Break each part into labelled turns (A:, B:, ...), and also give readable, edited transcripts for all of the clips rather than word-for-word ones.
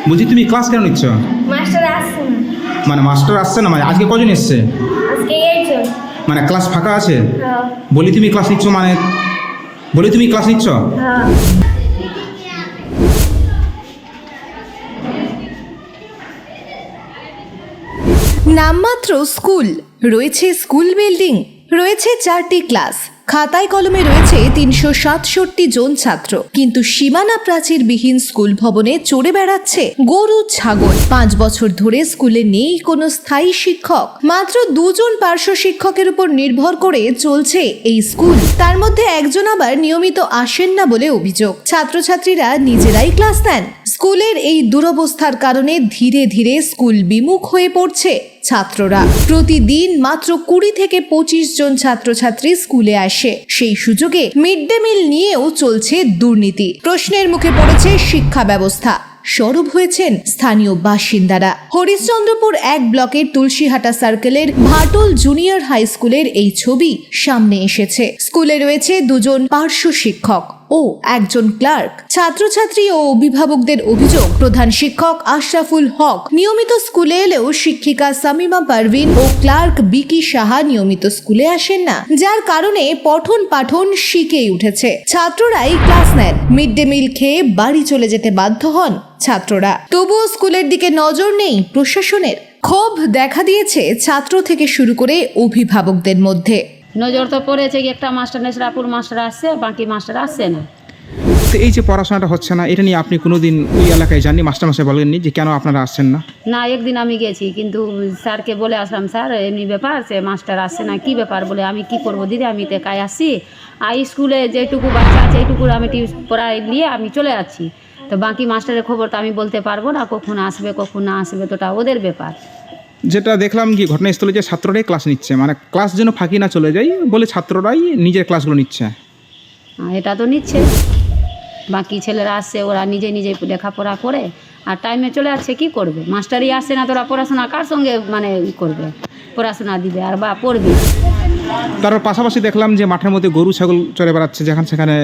A: বলছি তুমি ক্লাস কেন নিচ্ছ?
B: মাস্টার আসছে না।
A: মানে মাস্টার আসছে না, মানে আজকে কজন এসছে?
B: আজকে এইজন।
A: মানে ক্লাস ফাঁকা আছে?
B: হ্যাঁ।
A: বলি তুমি ক্লাস নিচ্ছ, মানে বলি তুমি ক্লাস নিচ্ছ?
B: হ্যাঁ।
C: নামমাত্র স্কুল, রয়েছে স্কুল বিল্ডিং, রয়েছে 4টি ক্লাস, খাতায় কলমে রয়েছে 367 জন ছাত্র, কিন্তু সীমানা প্রাচীরবিহীন স্কুল ভবনে চড়ে বেড়াচ্ছে গরু ছাগল। 5 বছর ধরে স্কুলে নেই কোনো স্থায়ী শিক্ষক, মাত্র 2 জন পার্শ্ব শিক্ষকের উপর নির্ভর করে চলছে এই স্কুল। তার মধ্যে একজন আবার নিয়মিত আসেন না বলে অভিযোগ। ছাত্রছাত্রীরা নিজেরাই ক্লাস নেন। স্কুলের এই দুরবস্থার কারণে ধীরে ধীরে স্কুল বিমুখ হয়ে পড়ছে ছাত্ররা। প্রতিদিন মাত্র 20 থেকে 25 জন ছাত্রছাত্রী স্কুলে আসে। সেই সুযোগে মিড ডে মিল নিয়েও চলছে দুর্নীতি। প্রশ্নের মুখে পড়েছে শিক্ষা ব্যবস্থা। সরব হয়েছেন স্থানীয় বাসিন্দারা। হরিশ্চন্দ্রপুর 1 ব্লকের তুলসীহাটা সার্কেলের ভাটল জুনিয়র হাই স্কুলের এই ছবি সামনে এসেছে। স্কুলে রয়েছে 2 জন পার্শ্ব শিক্ষক ও 1 জন ক্লার্ক। ছাত্রছাত্রী ও অভিভাবকদের অভিযোগ, প্রধান শিক্ষক আশরাফুল হক নিয়মিত স্কুলে এলেও শিক্ষিকা সামিমা পারভিন ও ক্লার্ক বিকি সাহা নিয়মিত স্কুলে আসেন না, যার কারণে পঠন পাঠন শিখেই উঠেছে। ছাত্ররাই ক্লাস নেন, মিড ডে মিল খেয়ে বাড়ি চলে যেতে বাধ্য হন ছাত্ররা। তবুও স্কুলের দিকে নজর নেই প্রশাসনের। ক্ষোভ দেখা দিয়েছে ছাত্র থেকে শুরু করে অভিভাবকদের মধ্যে।
D: নজর তো পড়েছে কি একটা মাস্টার নেশরাপুর মাস্টার আসছে, বাকি মাস্টার আসছে না।
A: তো এই যে পড়াশোনাটা হচ্ছে না, এটা নিয়ে আপনি কোনোদিন ওই এলাকায় যাননি? মাস্টারমশাই বলেননি যে কেন আপনারা আসছেন না?
D: না, একদিন আমি গেছি, কিন্তু স্যারকে বলে আসলাম, স্যার এমনি ব্যাপার, সে মাস্টার আসছে না, কি ব্যাপার? বলে আমি কি করব দিদি, আমি তো একাই আসছি, আর স্কুলে যেটুকু বাচ্চা আছে এইটুকু আমি পড়াই নিয়ে আমি চলে যাচ্ছি, তো বাকি মাস্টারের খবর তো আমি বলতে পারবো না, কখন আসবে কখন না আসবে, তো ওটা ওদের ব্যাপার।
A: যেটা দেখলাম কি ঘটনাস্থলে, যে ছাত্ররাই ক্লাস নিচ্ছে, মানে ক্লাস যেন ফাঁকি না চলে যায় বলে ছাত্ররাই নিজের ক্লাসগুলো নিচ্ছে।
D: এটা তো নিচ্ছে, বাকি ছেলেরা আসছে, ওরা নিজে নিজে লেখাপড়া করে আর টাইমে চলে যাচ্ছে, কি করবে? মাস্টারই আসছে না, তোরা পড়াশোনা কার সঙ্গে মানে করবে? পড়াশোনা দিবে আর বা পড়বে।
A: তার পাশাপাশি দেখলাম যে মাঠের মধ্যে গরু ছাগল চড়ে বেড়াচ্ছে, যেখানে সেখানে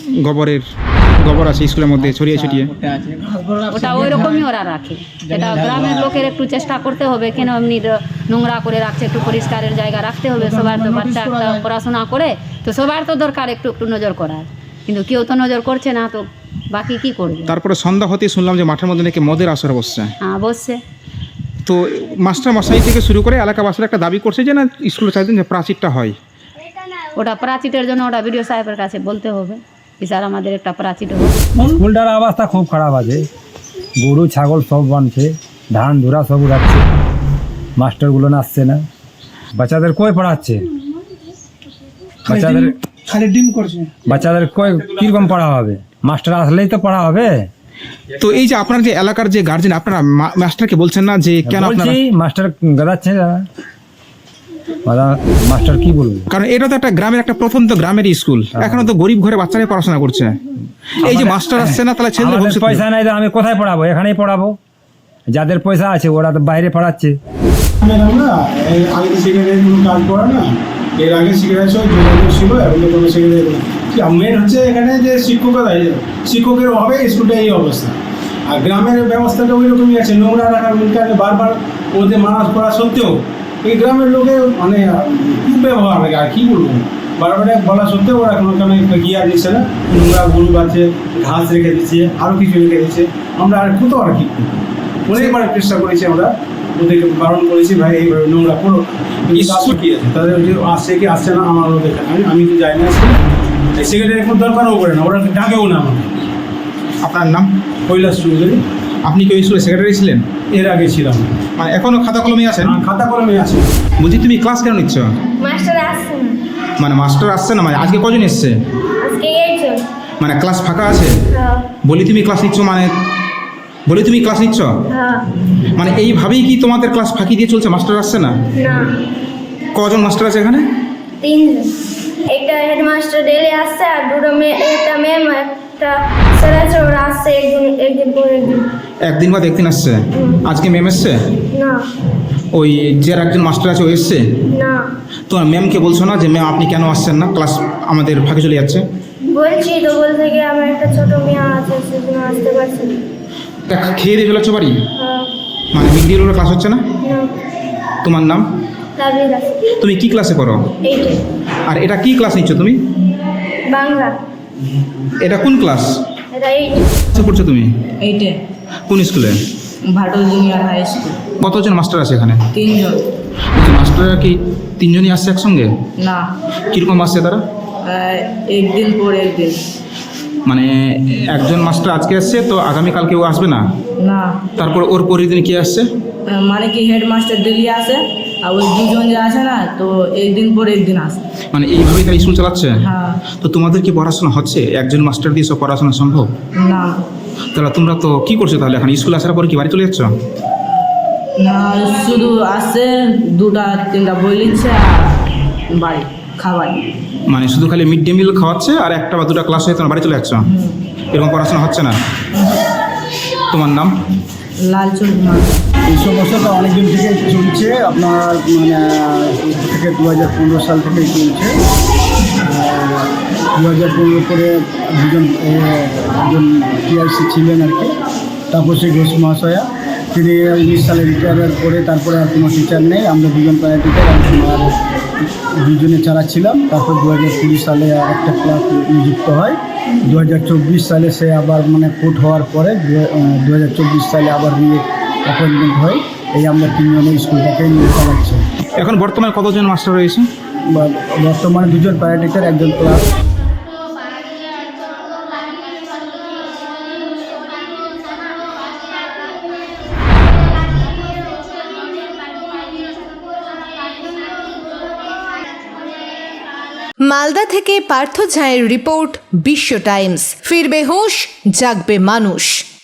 A: গোবর আছে স্কুলের মধ্যে ছড়িয়ে ছিটিয়ে।
D: ওটা ওই রকমই ওরা রাখে। এটা গ্রামের লোকের একটু চেষ্টা করতে হবে, কেন এমনি নোংরা করে রাখছে, একটু পরিষ্কারের জায়গা রাখতে হবে। সবার তো বাচ্চা একটা পড়াশোনা করে, তো সবার তো দরকার একটু একটু নজর করার, কিন্তু কেউ তো নজর করছে না, তো বাকি কি করবে?
A: তারপরে সন্ধ্যা হতেই শুনলাম যে মাঠের মধ্যে নাকি মদের আসর বসছে।
D: হ্যাঁ, বসছে।
A: তো মাস্টার মশাই থেকে শুরু করে এলাকাবাসীরা একটা দাবি করছে যে না, স্কুলে চাইতেন যে প্রাচীরটা হয়।
D: ওটা প্রাচীরের জন্য ওটা বিডিও সাহেবের কাছে বলতে হবে, স্যার আমাদের একটা প্রাচীর হোক।
E: স্কুলটার অবস্থা খুব খারাপ আছে, গরু ছাগল সব বানছে, ধান ধুরা সব উড়াচ্ছে, মাস্টারগুলো আসছে না, বাচ্চাদের কই পড়াচ্ছে, বাচ্চাদের
F: খালি ডিম করছে,
E: বাচ্চাদের কই কিরকম পড়া হবে? মাস্টার আসলেই তো পড়া হবে।
A: তো এই যে আপনার যে এলাকার যে গার্জেন, আপনারা মাস্টারকে বলছেন না যে কেন আপনারা?
E: বলছি মাস্টার গাদাচ্ছে না, মাস্টার কি বলবো?
A: কারণ এটা তো একটা গ্রামের, একটা প্রথম তো গ্রামের স্কুল, এখনো তো গরিব ঘরে বাচ্চারাই পড়াশোনা করছে। এই যে মাস্টার আসছে না, তাহলে ছেলেদের ভবিষ্যৎ
E: পয়সা নাই তো আমি কোথায় পড়াবো? এখানেই পড়াবো। যাদের পয়সা আছে ওরা তো বাইরে পড়াচ্ছে।
F: ম্যাডাম না এর আগে তো সেক্রেটারি কোনো কাজ করে না, এর আগে সেক্রেটারি সব যোগাযোগ ছিল, এখন তো কোনো সেক্রেটারি মেন হচ্ছে এখানে যে শিক্ষকের অভাবে স্কুলটা এই অবস্থা। আর গ্রামের ব্যবস্থাটা ওই রকমই আছে, নোংরা রাখার কারণে বারবার ওদের মানা করা সত্ত্বেও এই গ্রামের লোকের মানে খুব ব্যবহার লাগে, আর কী বলবো, বারবার বলা সত্ত্বেও ওরা কোনো কারণে গিয়ে দিচ্ছে না। নোংরা গরু বাচ্ছে, ঘাস রেখে দিচ্ছে, আরও কিছু রেখে দিচ্ছে। আমরা আর কত আর কি অনেকবার চেষ্টা করেছি, আমরা ওদেরকে বারণ করেছি, ভাই এইভাবে নোংরা করো, স্কুল কী আছে তাদের যে আসছে কি আসছে না আমার ওদের আমি তো যাই না, সেক্রেটারি কোনো দরকারও করে না, ওরা ডাকেও না আমাকে।
A: আপনার নাম?
F: কৈলাস চৌধুরী।
A: আপনি কি ওই স্কুলের সেক্রেটারি ছিলেন?
F: এর আগে ছিলাম।
A: মানে এখনো খাতা কলমে আছেন?
F: খাতা কলমে আছে।
A: বলছি তুমি ক্লাস কেন নিচ্ছ?
B: মাস্টার আসছে না।
A: মানে মাস্টার আসছে না, মানে আজকে কজন এসছে?
B: আজকে এইজন।
A: মানে ক্লাস ফাঁকা আছে?
B: হ্যাঁ।
A: বলি তুমি ক্লাস নিচ্ছ, মানে বলি তুমি ক্লাস নিচ্ছ,
B: হ্যাঁ।
A: মানে এইভাবেই কি তোমাদের ক্লাস ফাঁকি দিয়ে চলছে? মাস্টার আসছে না?
B: না,
A: কজন মাস্টার আছে এখানে?
B: 3 জন। একটা হেডমাস্টার ডেলি আসছে, আর দুটো একটা ম্যাম, একটা স্যার আছে, ওরা আসছে একদিন পর একদিন।
A: একদিন বাদ একদিন আসছে। আজকে ম্যাম এসছে?
B: না।
A: ওই যে একজন মাস্টার আছে ও এসছে?
B: না।
A: তোমার ম্যামকে বলছো না যে ম্যাম আপনি কেন আসছেন না, ক্লাস আমাদের ফাঁকি চলে যাচ্ছে?
B: বলছি তো, বলতে গিয়ে আমার একটা ছোট মেয়ে আছে, সেজন্য আসতে পারছি না।
A: খেয়ে দিয়ে চলে যাচ্ছ বাড়ি?
B: হ্যাঁ।
A: মানে মিড ডে মিলের ক্লাস হচ্ছে না? তোমার নাম?
B: লাভলি দাস।
A: তুমি কি ক্লাসে পড়ো?
B: 8
A: আর এটা কি ক্লাস নিচ্ছ তুমি?
B: বাংলা।
A: এটা কোন ক্লাস?
B: এটা 8
A: কি পড়ছো তুমি?
G: 8-এ
A: কোন স্কুলে?
G: Bhatol junior high school.
A: কতজন মাস্টার আছে এখানে?
G: 3 জন।
A: মাস্টাররা কি 3 জনই আসছে একসঙ্গে?
G: না,
A: কীরকম আসছে তারা?
G: একদিন পর একদিন।
A: মানে একজন মাস্টার আজকে আসছে তো আগামীকাল কেউ আসবে না?
G: না,
A: তারপর ওর পরের দিন কি আসছে?
G: মানে কি হেডমাস্টার ডেলি আসে, আর ওই দুজন যে আছে না, তো একদিন পর একদিন আসে।
A: মানে এইভাবেই তারা স্কুল চালাচ্ছে?
G: হ্যাঁ।
A: তো তোমাদের কি পড়াশোনা হচ্ছে? একজন মাস্টার দিয়ে সব পড়াশোনা সম্ভব?
G: না,
A: তাহলে তোমরা তো কি করছো তাহলে এখন? স্কুল আসার পর কি বাড়ি চলে যাচ্ছ?
G: না, শুধু আসে 2-3টা বই লিখছে আর বাড়ি খাবার।
A: মানে শুধু খালি মিড ডে মিল খাওয়াচ্ছে আর 1টা বা 2টা ক্লাস হয়ে তোমরা বাড়ি চলে যাচ্ছ? এরকম পড়াশোনা হচ্ছে না? তোমার নাম?
G: লালচন কুমার।
H: এই সমস্যাটা অনেকদিন থেকে চলছে, আপনার থেকে 2015 সাল থেকেই চলছে। 2015 করে একজন টিআরসি ছিলেন আর কি, তাপসী ঘোষ মহাশয়া। তিনি 19 সালে রিটায়ার করে তারপরে আর কোনো টিচার নেই, আমরা 2জন প্রায় টিচার আর 2জনে চালাচ্ছিলাম। তারপর 2020 সালে আর একটা ক্লাস নিযুক্ত হয়। 2024 সালে সে আবার কোর্ট হওয়ার পরে 2024 সালে আবার অ্যাপয়েন্টমেন্ট হয়। এই আমরা 3 জনে স্কুলটাকে নিয়ে চালাচ্ছি।
A: এখন বর্তমানে কতজন মাস্টার রয়েছে?
H: বর্তমানে 2জন প্রায় টিচার, 1জন ক্লাস।
C: মালদা থেকে পার্থ ঝায়ের রিপোর্ট, বিশ্ব টাইমস। ফিরবে হুঁশ, জাগবে মানুষ।